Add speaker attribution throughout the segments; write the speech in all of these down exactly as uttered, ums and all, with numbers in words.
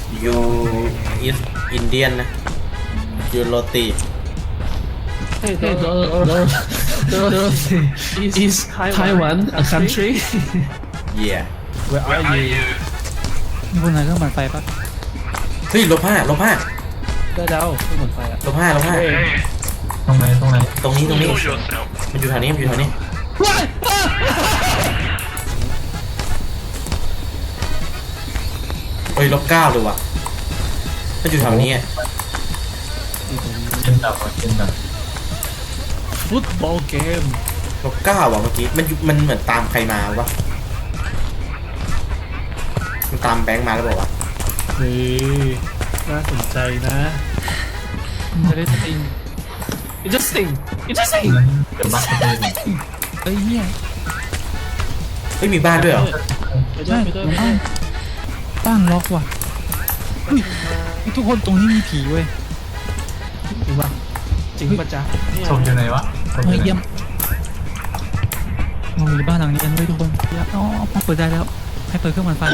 Speaker 1: ยูอิสอินเดียนนะยูโรตี
Speaker 2: Hey, the, the, the, the, is Taiwan a country?
Speaker 1: เย่
Speaker 2: Where are you?
Speaker 3: พวกนายก็มันไฟปะ
Speaker 1: เฮ้ยลบห้าลบห้า
Speaker 2: ได้แล้วไม่เหมือนไฟอ่ะ
Speaker 1: ลบห้าลบห้า
Speaker 4: ตรงไหนตรงไหน
Speaker 1: ตรงนี้ตรงนี้มันอยู่แถวนี้มันอยู่แถวนี้เฮ้ยลบเก้าเลยว่ะมันอยู่แถวนี้อ่ะ
Speaker 4: เกมดับอ่ะเกมดับ
Speaker 2: Football game
Speaker 1: ลบเก้าว่ะเมื่อกี้มันอยู่มันเหมือนตามใครมาวะมันตามแบงค์มาแล้วบอกว่า
Speaker 2: เฮ้ยน่าสนใจนะ Interesting Interesting Interesting
Speaker 4: เดี๋ยวบักเลย
Speaker 3: เอ้ยเนี่ย
Speaker 1: เฮ้ยมีบ้านด้วยเหรอ
Speaker 2: ไปด้ว
Speaker 3: ใช่
Speaker 2: ยไปด้วยไปด้
Speaker 3: บ้า
Speaker 2: วย
Speaker 3: นบ้านล็อกว่ะเฮ้ยทุกคนตรงนี้มีผีเว้ย
Speaker 2: จริงป่ะจริงป่ะจ๊ะเนี่ย
Speaker 4: ชมอยู่ไหนวะชมอ
Speaker 3: เฮ้ย
Speaker 4: ยู่ไหน
Speaker 3: เยี่ยมเราอยู่ในบ้านหลังนี้กันเว้ยทุกคนเยี่ยมอ๋อพอเปิดได้แล้วให้เปิดเครื่องมันไฟ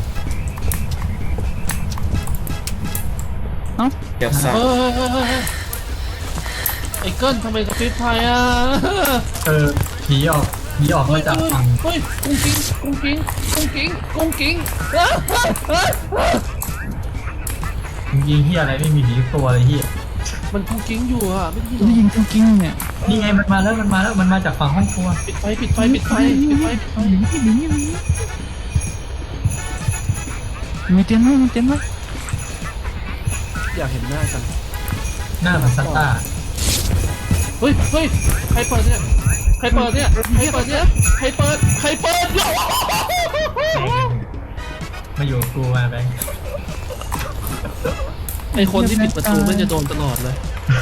Speaker 3: เอ้า
Speaker 1: เดี๋ยวสั่ง
Speaker 2: เฮ้ยเฮ้ยเฮ้ยเฮ้ยไอ้เกิ้ลทำไมกระพริบไฟอ่ะ
Speaker 4: เออผีออกผีออกมาจากฝั่ง
Speaker 2: เฮ้ยกุ้งกิ้งกุ้งกิ้งกุ้งกิ้งกุ้งกิ้งเฮ้ยเฮ้ยเฮ้ยเฮ้ย
Speaker 4: ยิงเฮียอะไรไม่มีผีตัวเลยเฮีย
Speaker 2: มันกุ้งกิ้งอยู่อ่ะไม่ได้ยินหร
Speaker 3: ได้
Speaker 2: อ
Speaker 3: ยินกิ้งๆเนี่ย
Speaker 4: นี่ไงมันมาแล้วมันมาแล้วมันมาจากฝั่งห้องครัว
Speaker 2: ปิดไฟปิดไฟปิดไฟปิดไฟปิดไฟ
Speaker 3: หนีหนีหนีหนีมีเตียงไหมมีเตียงไหม
Speaker 2: อยากเห็นหน้ากัน
Speaker 4: หน้ามันซัตตา
Speaker 2: เฮ้ยเฮ้ยใครเปิดเนี่ยใครเปิดเนี่ยใครเปิดเนี่ยใครเปิดใครเปิด
Speaker 4: มาอยู่กับกูมาแบงค์
Speaker 2: ไอคนที่ปิดประตูมันจะโดนตลอดเลย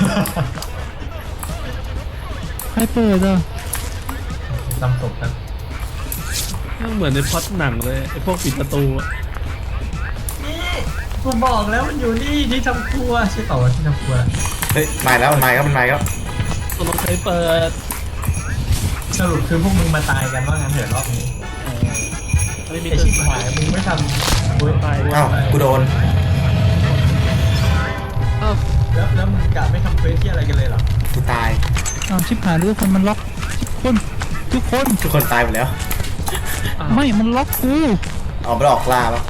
Speaker 3: ใครเปิดอ่ะ
Speaker 4: จำศพครับ
Speaker 2: เหมือนในพล็อตหนังเลยไอพวกปิดประตูอะ
Speaker 4: นี่กูบอกแล้วมันอยู่นี่ที่ทำครัวใช่เปล่าวะที่ทำครัว
Speaker 1: เฮ้ยมาแล้วมันมาแล้วมันมาแล้ว
Speaker 2: ตกลงใครเปิด
Speaker 4: สรุปคือพวกมึงมาตายกันว่างั้นเถอะรอบนี้
Speaker 2: เออไม่มี
Speaker 4: ไอ
Speaker 2: เกิ
Speaker 4: ชิ
Speaker 2: ด
Speaker 4: บหายมึงไม่ทำกูตาย
Speaker 1: อ้าวกูโดน
Speaker 2: อ้าว
Speaker 4: แล้วแล้วมึงกะไม่ทำเควสที่อะไรกันเลยเหรอ
Speaker 1: กูตาย
Speaker 3: อ้าวชิบหายเรือคนมันล็อกทุกคนทุกคน
Speaker 1: ทุกคนตายหมดแล้ว
Speaker 3: ไม่มันล็อกกู
Speaker 1: ออกไปออกล่าปะ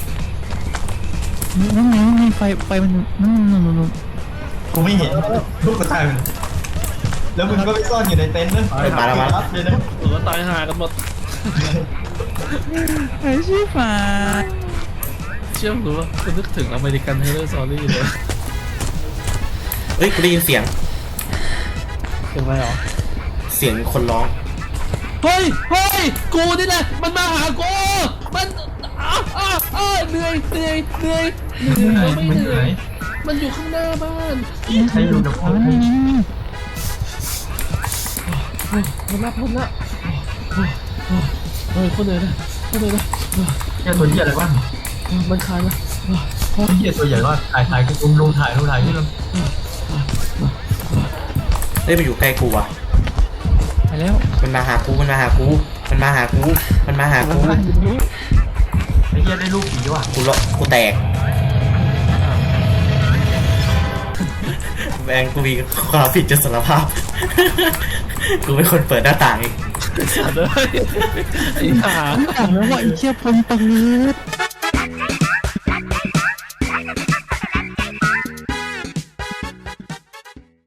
Speaker 3: นั่นไงนั่นไงไฟไฟมันนั่นนั่นนั่น
Speaker 4: กูไม่เห็นลูกกูตายไปเลยแล้วมึงก็ไปซ่อนอยู่ในเต็นท์นะ
Speaker 1: เฮ้ยมาแล้วมาแล้ว
Speaker 4: รับเลยนะ
Speaker 2: หรือว่าตายหากันหมด
Speaker 3: ไอ้ชิบหาย
Speaker 2: เชื่อมหรือว่าคุณนึกถึงอเมริกันเฮเลอร์ซอรี่เลย
Speaker 1: เฮ้ยกูได้ยินเสียง
Speaker 2: เป็นไรหรอ
Speaker 1: เสียงคนร้อง
Speaker 2: เฮ้ยเฮ้ยกูนี่แหละมันมาหากูมันอ้าอ้าอ้าเหนื่อยเหนื่อยเหนื่อยเหนื่อยไม่
Speaker 4: มึง
Speaker 2: เห
Speaker 4: เห
Speaker 2: นื่
Speaker 4: นื่
Speaker 2: อ
Speaker 4: อย ย
Speaker 2: มันอยู่ข้างหน้าบ้าน
Speaker 4: ใครอยู่กับกู
Speaker 3: นี่นี่นี่
Speaker 2: เฮ้ยมันรับพ้นละเฮ้ยคนเหนื่อยนะคนเหนื่อยนะ
Speaker 4: แค่ตัวเหี้ยอะไรวะ
Speaker 2: มันคลายละ
Speaker 4: ตัวเหี้ยตัวใหญ่ว่าถ่ายถ่ายกูลงถ่ายลงถ่ายที่ลง
Speaker 1: เฮ้ยมันอยู่ใกล้กูว่ะ
Speaker 3: ไปแล้ว
Speaker 1: มันมาหากูมันมาหากูมันมาหากูมันมาหากู
Speaker 4: ไอ้เหี้ยได้ลูกผีว่ะ
Speaker 1: กูละกูแตกแบงกูมีความผิดจะสารภาพ กูเป็นคนเปิดหน้าต่างเอง
Speaker 2: สัตว์เลยไอ้ห่า
Speaker 3: ถามแล้วว่าไอ้เชี่ยพลปืด